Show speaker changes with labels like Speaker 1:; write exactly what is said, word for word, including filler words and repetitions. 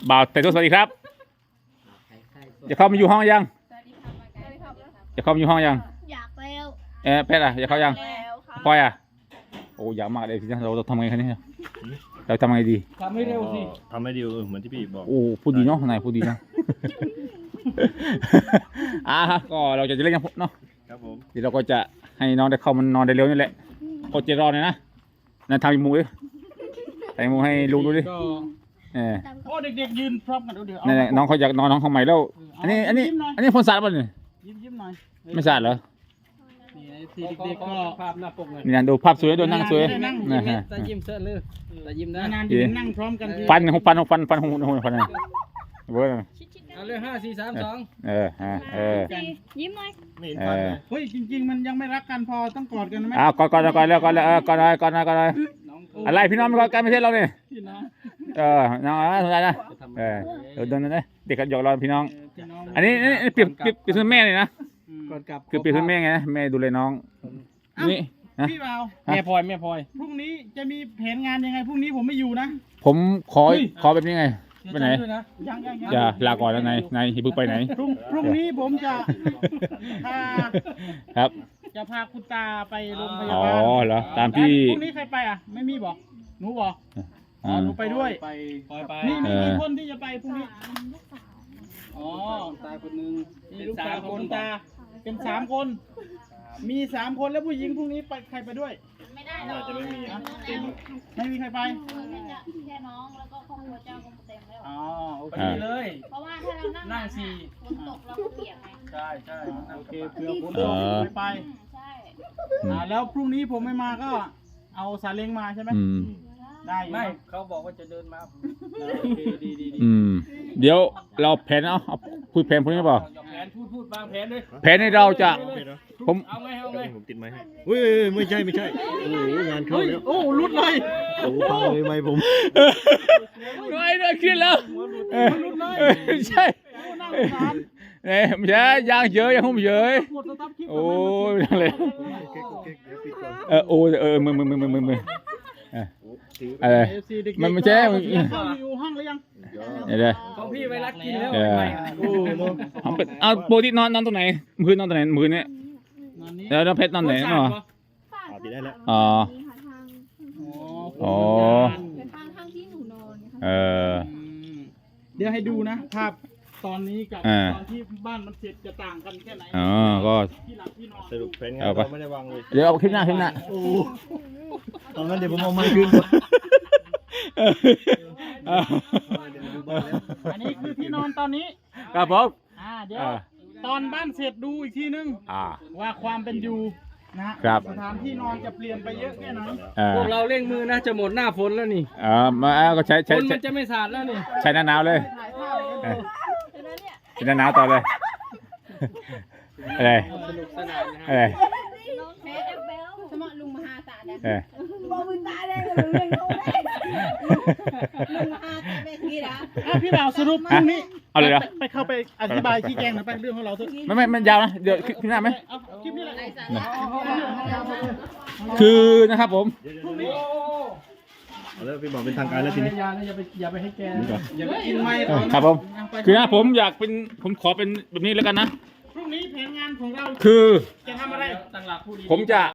Speaker 1: บ่าวแต่ตัวสวัสดีครับจะเข้ามาอยู่ห้องยังจะเข้ามาอยู่ห้องยัง
Speaker 2: อยากแล้ว
Speaker 1: เออเพชรอ่ะจะเข้ายังพลอยอ่ะโอ้อยากมากเลยทีนี้เราเราทำไงคะเนี่ยเราทำไงดี
Speaker 3: ทำให้เร็วสิ
Speaker 4: ทำให้ดีเหมือนที่พี่บอก
Speaker 1: โอ้พูดดีเนาะนายพูดดีเนาะ อ่ะก็เราจะเล่นกันเนาะ
Speaker 4: ครับผม
Speaker 1: เดี๋ยวเราก็จะให้น้องได้เข้ามานอนได้เร็วนี่แหละโคตรจะรอเลยนะนั่นทำอีมูดิใส่มูให้ลุงดูดิ
Speaker 3: ก็
Speaker 1: เออ
Speaker 3: โอ้เด็กๆยืนพร้อมกันเดี๋ยว
Speaker 1: นั่นแหละน้องเขาอยากนอนน้องเขาใหม่แล้วอันนี้อันนี้อันนี้พ่นสารป่ะเนี่ย
Speaker 3: ยิ้มยิ้มหน่อย
Speaker 1: ไม่สารเหรอ
Speaker 3: นี่ทีเด็กๆก็ภาพหน้าปกเลย
Speaker 1: นี่นะดูภาพสวยดูนั่งสวย
Speaker 3: นั่ง
Speaker 1: นะฮะ
Speaker 3: แต่ยิ้มเสื้อเลยแต่ยิ้มได้นานยืนนั่งพร้อมกัน
Speaker 1: ฟันหกฟันหกฟันฟันหกหกฟันนะเว้ย
Speaker 3: เอาเลยห้าสี่สามสอง
Speaker 1: เออเออเออ
Speaker 2: ยิ้มหน่อย
Speaker 4: ไม่เห็น
Speaker 1: เอ
Speaker 4: ฟัน
Speaker 1: อ
Speaker 4: เลย
Speaker 3: เฮ้ยจริงๆมันยังไม่รักกันพอต้องกอดกันไหม
Speaker 1: อ้าวก่อนก่อนก่อนแล้วก่อนแล้วเออก่อนเลยก่อนเลยก่อนเลยอะไรพี่น้องมันก็กันไม่ใช่เราเนี่ย
Speaker 3: พี่น้อง
Speaker 1: เออน้องสนใจนะเออเดี๋ยวเดินนะเด็กกันหยอกเราพี่น้อง
Speaker 3: พี่น้อง
Speaker 1: อันนี้นี่เปรียบเปรียบเปรียบเสมือนแม่เลยนะ
Speaker 3: กอดกลับ
Speaker 1: คือเปรียบเสมือนแม่ไงนะแม่ดูแลน้องนี่นะ
Speaker 3: พี่เบาแม่พลอยแม่พลอยพรุ่งนี้จะมีแผนงานยังไงพรุ่งนี้ผมไม่อยู่นะ
Speaker 1: ผมขอขอแบบนี้ไงไปไหน
Speaker 3: ยังยัง
Speaker 1: อย่าลาก่อนแล้วนายนายอย่าเพิ่งไปไหน
Speaker 3: พรุ่งพรุ่งนี้ผมจะพา
Speaker 1: ครับ
Speaker 3: จะพาคุณตาไปโรงพยา
Speaker 1: อ๋อบ
Speaker 3: าล
Speaker 1: เหรอตามที่
Speaker 3: พรุ่งนี้ใครไปอ่ะไม่มีบอกหนูบอกอ๋อ
Speaker 1: อ่า
Speaker 3: หนูไปด้วยไปไป นี่มี
Speaker 1: เออ
Speaker 3: กี่คนที่จะไปพรุ่งนี้อ๋อตาคนนึงมีลูกสาวคนตาเป็นสามคน มีสามคนแล้วผู้หญิงพรุ่งนี้ไปใครไปด้วย
Speaker 2: ไม่ได้หรอก
Speaker 3: จะไม่มีอ่ะไม่มีใครไป
Speaker 2: แค่น้องแล้วก็ครอบครัวเจ้าก็เต็มแล้ว
Speaker 3: อ๋อโอเค
Speaker 1: อ่า
Speaker 3: เลย
Speaker 2: เพราะว่าถ้าเรานั่ง
Speaker 3: นั่งสี่
Speaker 2: ฝนตกเราก็เปียกไง
Speaker 3: ใช่ใช่โอเคเพื่อฝน
Speaker 1: เอ
Speaker 3: ตก
Speaker 1: อ
Speaker 3: ไม่ไป
Speaker 2: อืมใช่
Speaker 3: อ่าแล้วพรุ่งนี้ผมไม่มาก็เอาซาเล้งมาใช่ไหม
Speaker 1: อืม
Speaker 3: ได้ไม่เขาบอกว่าจะเดินมาโอเคดีดีดี
Speaker 1: อืมเดี๋ยวเราแผนเอาเอาคุยแผนพวกนี้เปล่า
Speaker 3: แผนพูดพูดบางแผนเลย
Speaker 1: แผนในเราจะผม
Speaker 3: เอาไงเอาไง
Speaker 4: ผมติดไม้ให้เฮ้ยไม่ใช่ไม่ใช่โอ้โหงานเข้าแล้ว
Speaker 3: โอ้รุดเลย
Speaker 4: โอ้โหพังเลยไม้ผม
Speaker 1: ไม่ได้คิดแล้วเออ
Speaker 3: รุดเลย
Speaker 1: เออใช่
Speaker 3: นั่งสาร
Speaker 1: เอ้ยไม่ใช่ยางเยอะยังหุ้มเยอะ
Speaker 3: กดสตาร์ทคลิป
Speaker 1: โอ้ยไม่ได้เลย
Speaker 4: เก๊กเก๊กเดี๋ยวปิดก่อน
Speaker 1: เออโอ้ยเออมือมือมือมือมือมือเออ
Speaker 4: โอ้ถือ
Speaker 1: เออ มันไม่ใช่
Speaker 3: เข้าอยู่ห้องหรือยัง
Speaker 1: เดี๋ยวเดี๋ยว
Speaker 3: ของพี่ไปรักกินแล้ว
Speaker 1: เออ
Speaker 4: โอ้เนาะ
Speaker 1: เอาเป็นเอาโปรตีนนอนนอนตรงไหนมือนอนตรงไหนมือเนี่ยเดี๋ยวเราเพชรนอนไหนเนาะ
Speaker 4: อ่าติดได้แล้ว
Speaker 1: อ๋อ
Speaker 3: อ๋อ
Speaker 2: เป็นทางทางที่หนูนอนค่ะ
Speaker 1: เออ
Speaker 3: เดี๋ยวให้ดูนะภาพตอนนี้กับ
Speaker 1: อ่า
Speaker 3: ตอนที่บ้านมันเสร็จจะต่างกันแค่ไหน
Speaker 1: อ๋อก็
Speaker 3: ที่หลับที่นอน
Speaker 4: สรุปแผนงาน
Speaker 1: เอาไป
Speaker 4: เราไม่ได้วางเลย
Speaker 1: เดี๋ยวเอาคลิปหน้าคลิปหน้า
Speaker 4: โอ้ตอนนั้นเดี๋ยวผมเอาไม้คืน
Speaker 1: เออเออ
Speaker 3: อันนี้คือที่นอนตอนนี้
Speaker 1: ครับผม
Speaker 3: อ่าเดี๋ยว
Speaker 1: อ่า
Speaker 3: ตอนบ้านเสร็จดูอีกทีนึง
Speaker 1: อ่า
Speaker 3: ว่าความเป็นอยู่นะฮะ
Speaker 1: ครับ
Speaker 3: สถานที่นอนจะเปลี่ยนไปเยอะแค่ไหน
Speaker 1: เออ
Speaker 5: พวกเราเร่งมือนะจะหมดหน้าฝนแล้วนี่
Speaker 1: เออมาเอาก็ใช้
Speaker 5: ฝ
Speaker 1: ใช้
Speaker 5: น
Speaker 1: ใช้
Speaker 5: มันจะไม่สาดแล้วนี่
Speaker 1: ใช้หน้าหนาวเลย
Speaker 3: ถ่ายภาพเลย
Speaker 1: เออ
Speaker 2: เดี๋ยวนะเนี่ย
Speaker 1: ใช้หน้าหนาวต่อเลยอะไร
Speaker 5: สนุกสนานนะค
Speaker 1: อะไร
Speaker 5: รับ
Speaker 2: น้องแพ้แอปเบลสมอลุงมหาศาลนะ
Speaker 1: เออ
Speaker 2: บอกมึงตายเลยลุงเลี้ยงเขาได้ลุงมหาศาลเป็นที่นะ
Speaker 3: อ่ะพี่บ่าวสรุปพรุ่งนี้
Speaker 1: เอาเลยเหรอ
Speaker 3: ไปไปเข้าไปอธิบายชี้แจงหน่อยไปเรื่องของเราเถอะ
Speaker 1: ไม่ไม่มันยาวนะเดี๋ยวคลิปหน้าไหม
Speaker 3: เอาคลิปนี้แหละ
Speaker 1: คือนะครับผม
Speaker 3: พรุ่งนี้
Speaker 4: เอาแล้วพี่บอกเป็นทางการแล้วทีนี้
Speaker 3: อย่านะอย่าไปอย่าไปให้แก
Speaker 4: นี่ก่อน
Speaker 3: อย่าไปกินไม้เขานะครับ
Speaker 1: ผม
Speaker 3: เอาไป
Speaker 1: คือนะผมอยากเป็นผมขอเป็นแบบนี้แล้วกันนะ
Speaker 3: พรุ่งนี้แผนงานของเรา
Speaker 1: คือ
Speaker 3: จะทำอะไร
Speaker 5: ตั้งหลักผู้ดี
Speaker 1: ผมจะ